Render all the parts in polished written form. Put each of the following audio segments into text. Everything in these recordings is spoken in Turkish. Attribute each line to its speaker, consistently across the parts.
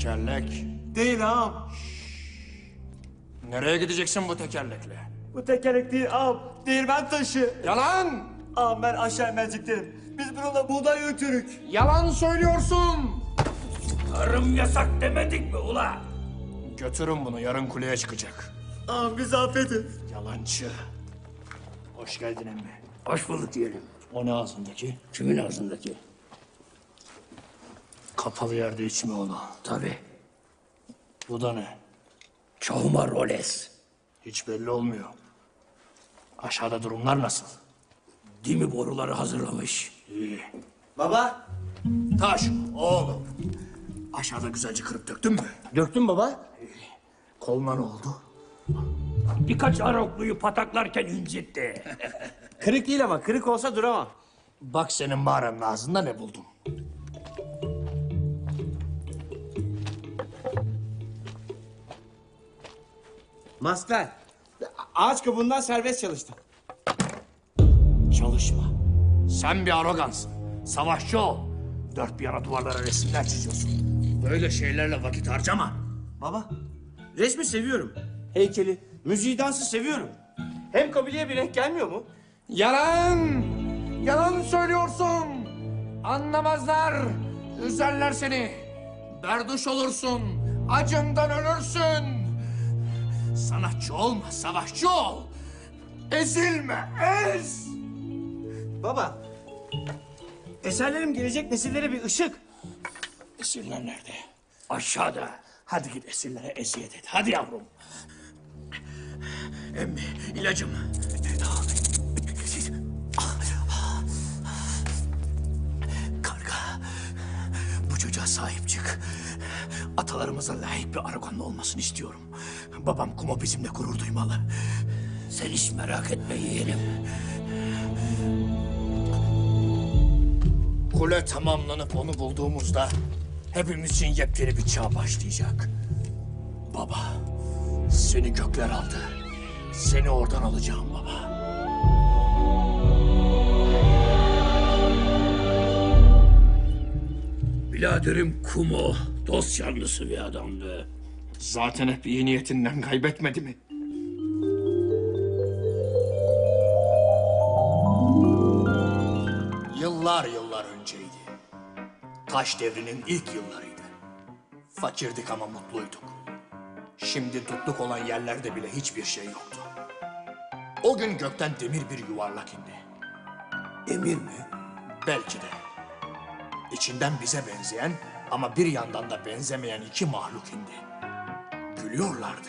Speaker 1: tekerlek.
Speaker 2: Değil ağam.
Speaker 1: Nereye gideceksin bu tekerlekle?
Speaker 2: Bu tekerlek değil ağam. Değirmen taşı.
Speaker 1: Yalan!
Speaker 2: Ağam ben aşağı merceklerim. Biz bununla buğday ötürük.
Speaker 1: Yalan söylüyorsun!
Speaker 3: Tarım yasak demedik mi ula?
Speaker 1: Götürün bunu, yarın kuleye çıkacak.
Speaker 2: Ağam bizi affedin.
Speaker 1: Yalancı. Hoş geldin emmi.
Speaker 3: Hoş bulduk diyelim.
Speaker 1: O ne ağzındaki?
Speaker 3: Kimin ağzındaki?
Speaker 1: Kapalı yerde içme onu.
Speaker 3: Tabii.
Speaker 1: Bu da ne?
Speaker 3: Çoğuma roles.
Speaker 1: Hiç belli olmuyor. Aşağıda durumlar nasıl?
Speaker 3: Dimi boruları hazırlamış.
Speaker 1: İyi.
Speaker 2: Baba.
Speaker 1: Taş, oğlum. Aşağıda güzelce kırıp döktün mü?
Speaker 2: Döktün baba.
Speaker 1: Koluna ne oldu?
Speaker 3: Birkaç arokluyu pataklarken incitti.
Speaker 2: Kırık değil ama kırık olsa duramam.
Speaker 1: Bak senin mağaranın ağzında ne buldum.
Speaker 2: Maskler. Ağaç kabuğundan serbest çalıştım.
Speaker 1: Çalışma. Sen bir arogansın. Savaşçı ol. Dört bir yana duvarlara resimler çiziyorsun. Böyle şeylerle vakit harcama.
Speaker 2: Baba. Resmi seviyorum. Heykeli, müziği, dansı seviyorum. Hem kabileye bir renk gelmiyor mu?
Speaker 1: Yalan! Yalan söylüyorsun! Anlamazlar! Üzerler seni! Berduş olursun! Acından ölürsün! Sanatçı olma, savaşçı ol! Ezilme, ez!
Speaker 2: Baba. Eserlerim gelecek nesillere bir ışık.
Speaker 1: Esirler nerede?
Speaker 3: Aşağıda.
Speaker 1: Hadi git esirlere eziyet et. Hadi yavrum. Emmi, ilacım. Karga, bu çocuğa sahip çık. Atalarımıza layık bir Aragonlu olmasını istiyorum. Babam Kumo bizimle gurur duymalı.
Speaker 3: Sen hiç merak etme yeğenim.
Speaker 1: Kule tamamlanıp onu bulduğumuzda hepimiz için yepyeni bir çağ başlayacak. Baba, seni gökler aldı. Seni oradan alacağım baba.
Speaker 3: Biraderim Kumo dost yanlısı bir adamdı.
Speaker 1: Zaten hep iyi niyetinden kaybetmedi mi? Yıllar yıllar önceydi. Taş devrinin ilk yıllarıydı. Fakirdik ama mutluyduk. Şimdi tutluk olan yerlerde bile hiçbir şey yoktu. O gün gökten demir bir yuvarlak indi.
Speaker 3: Emir mi?
Speaker 1: Belki de. İçinden bize benzeyen ama bir yandan da benzemeyen iki mahluk indi. Gülüyorlardı.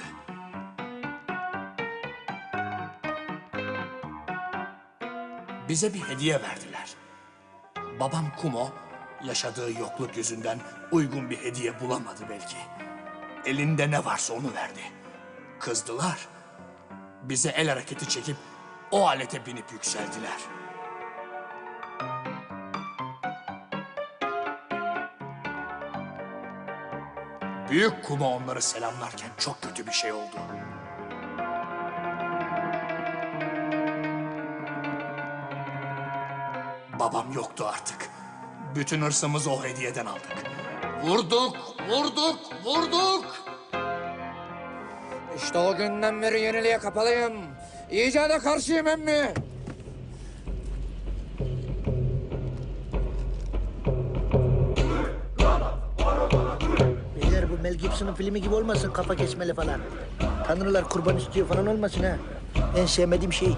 Speaker 1: Bize bir hediye verdiler. Babam Kumo yaşadığı yokluk yüzünden uygun bir hediye bulamadı belki. Elinde ne varsa onu verdi. Kızdılar. Bize el hareketi çekip o alete binip yükseldiler. Büyük Kumo onları selamlarken çok kötü bir şey oldu. Babam yoktu artık. Bütün hırsımızı o hediyeden aldık. Vurduk, vurduk, vurduk. İşte o günden beri yeniliğe kapalıyım. İcada karşıyım emmi.
Speaker 4: Beyler bu Mel Gibson'ın filmi gibi olmasın, kafa kesmeli falan. Tanrılar kurban istiyor falan olmasın ha. En sevmediğim şey.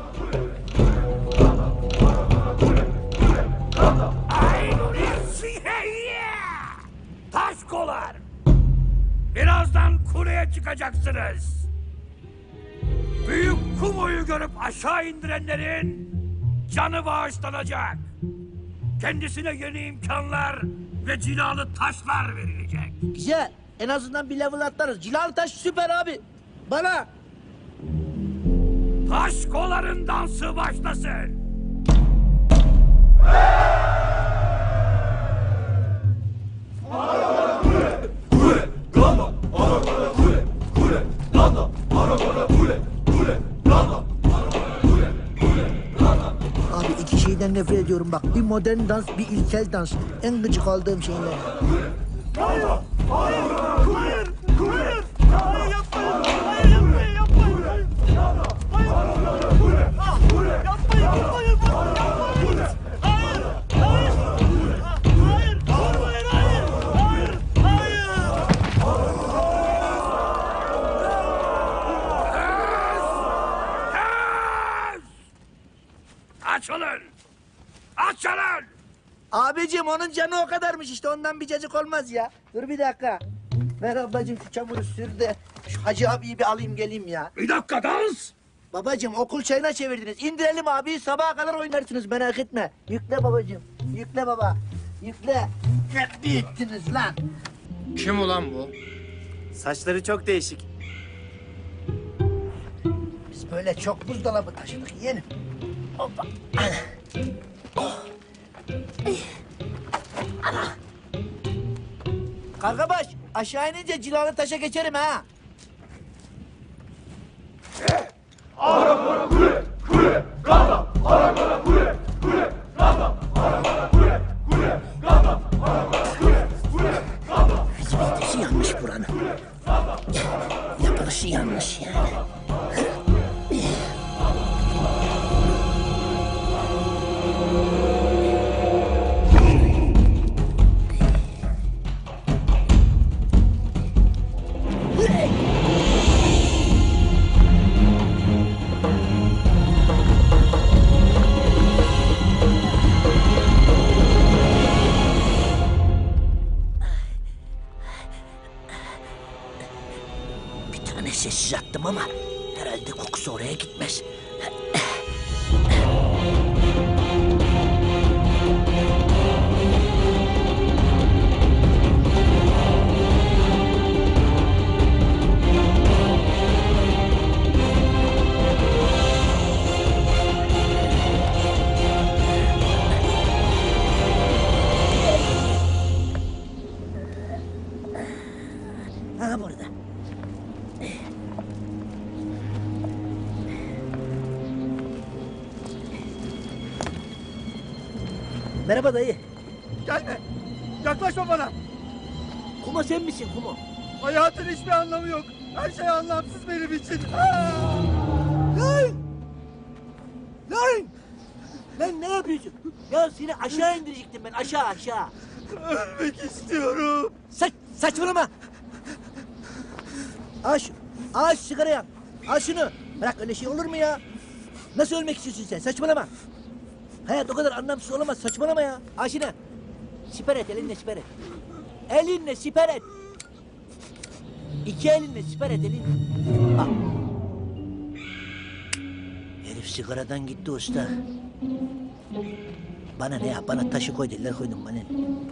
Speaker 3: Taşkolar! Birazdan kuleye çıkacaksınız. Büyük Kumo'yu görüp aşağı indirenlerin canı bağışlanacak. Kendisine yeni imkanlar ve cilalı taşlar verilecek.
Speaker 4: Güzel. En azından bir level atlarız. Cilalı taş süper abi. Bana.
Speaker 3: Taşkoların dansı başlasın.
Speaker 4: Abi iki şeyden nefret ediyorum bak. Bir modern dans, bir ilkel dans. En gıcık aldığım şeyler.
Speaker 3: Açılın! Açılın!
Speaker 4: Abicim onun canı o kadarmış işte ondan bir cacık olmaz ya. Dur bir dakika. Ver ablacığım şu çamuru sür de şu Hacı abiyi bir alayım geleyim ya.
Speaker 3: Bir dakika dans!
Speaker 4: Babacığım okul çayına çevirdiniz. İndirelim abi sabaha kadar oynarsınız merak etme. Yükle babacığım. Yükle baba. Yükle. Ne büyüttünüz lan.
Speaker 2: Kim ulan bu? Saçları çok değişik.
Speaker 4: Biz böyle çok buzdolabı taşıdık yeğenim. Hoppa. Ana. Oh. Ana. Kargabaş aşağı inince cilalı taşa geçerim ha. Hizmetisi yanlış buranın. Yapılışı yanlış yani. Bir tane sessiz attım ama herhalde kokusu oraya gitmez. Ha burada. Merhaba dayı.
Speaker 5: Gelme. Yaklaşma bana.
Speaker 4: Kuma sen misin Kuma?
Speaker 5: Hayatın hiçbir anlamı yok. Her şey anlamsız benim için.
Speaker 4: Lan! Lan! Lan ne yapıyorsun? Ya seni aşağı indirecektim ben aşağı.
Speaker 5: Ölmek istiyorum.
Speaker 4: Saçmalama. Al şu sigara yak. Al şunu. Bırak öyle şey olur mu ya? Nasıl ölmek istiyorsun sen? Saçmalama. Hayat o kadar anlamsız olamaz. Saçmalama ya. Al şunu. Siper et elinle siper et. Elinle siper et. İki elinle siper et elinle. Bak. Herif sigaradan gitti usta. Bana ne ya? Bana taşı koy dediler koydum bana.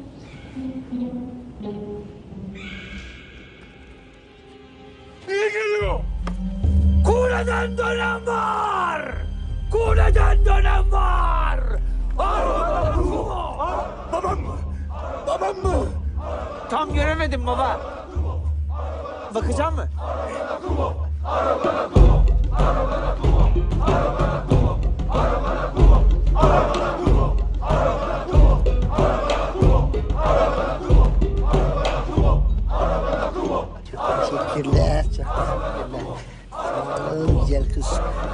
Speaker 3: Niye geliyor? Kuleden dönen var! Kuleden dönen var! Babam mı? Babam mı?
Speaker 2: Tam göremedim baba. Bakacak mı?
Speaker 4: Teşekkürler. Çok teşekkürler. Sağ ol güzel kız.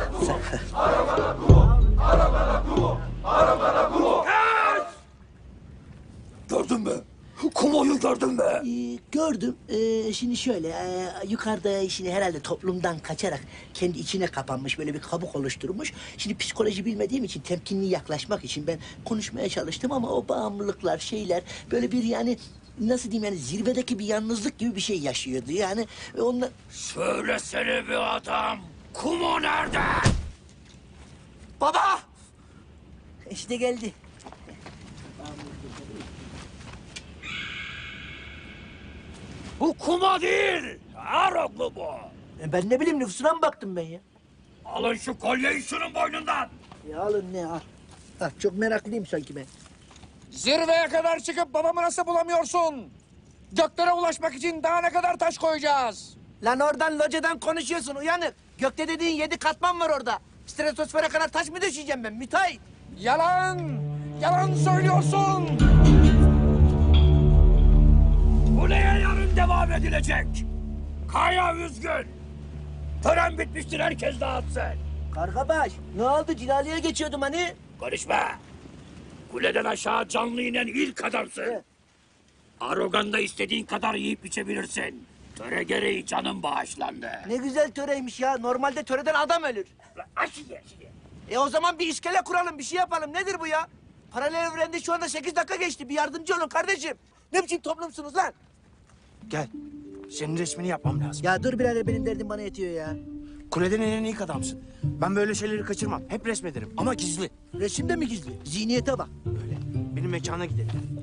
Speaker 3: Gördün mü? Kumoyu gördün mü?
Speaker 4: Gördüm. Şimdi şöyle yukarıda şimdi herhalde toplumdan kaçarak kendi içine kapanmış böyle bir kabuk oluşturmuş. Şimdi psikoloji bilmediğim için temkinli yaklaşmak için ben konuşmaya çalıştım ama o bağımlılıklar şeyler böyle bir yani nasıl diyeyim yani zirvedeki bir yalnızlık gibi bir şey yaşıyordu yani onlar.
Speaker 3: Söylesene bir adam. Kumo nerede?
Speaker 2: Baba!
Speaker 4: İşte geldi.
Speaker 3: Bu Kumo değil. Aroglu bu.
Speaker 4: Ben ne bileyim nüfusuna mı baktım ben ya?
Speaker 3: Alın şu kolyeyi şunun boynundan.
Speaker 4: Ya alın ne al. Ah, çok meraklıyım sanki ben.
Speaker 6: Zirveye kadar çıkıp babamı nasıl bulamıyorsun? Göklere ulaşmak için daha ne kadar taş koyacağız?
Speaker 4: Lan oradan locadan konuşuyorsun uyanık. Gökte dediğin 7 katman var orada. Stratosfere kadar taş mı düşeceğim ben müteahhit?
Speaker 6: Yalan! Yalan söylüyorsun!
Speaker 3: Kuleye yarın devam edilecek. Kaya üzgün. Tören bitmiştir, herkes dağıtsın.
Speaker 4: Kargabaş ne oldu? Cilali'ye geçiyordum hani.
Speaker 3: Konuşma. Kuleden aşağı canlı inen ilk adamsın. Aroganda istediğin kadar yiyip içebilirsin. Töre gereği canın bağışlandı.
Speaker 4: Ne güzel töreymiş ya. Normalde töreden adam ölür.
Speaker 3: Aşıya.
Speaker 4: O zaman bir iskele kuralım, bir şey yapalım. Nedir bu ya? Paralel evrende şu anda 8 dakika geçti. Bir yardımcı olun kardeşim. Ne biçim toplumsunuz lan?
Speaker 2: Gel. Senin resmini yapmam lazım.
Speaker 4: Ya dur birader, benim derdim bana yetiyor ya.
Speaker 2: Kuleden inen ilk adamsın. Ben böyle şeyleri kaçırmam. Hep resmederim ama gizli.
Speaker 4: Resimde mi gizli? Zihniyete bak.
Speaker 2: Böyle. Benim mekana gidelim.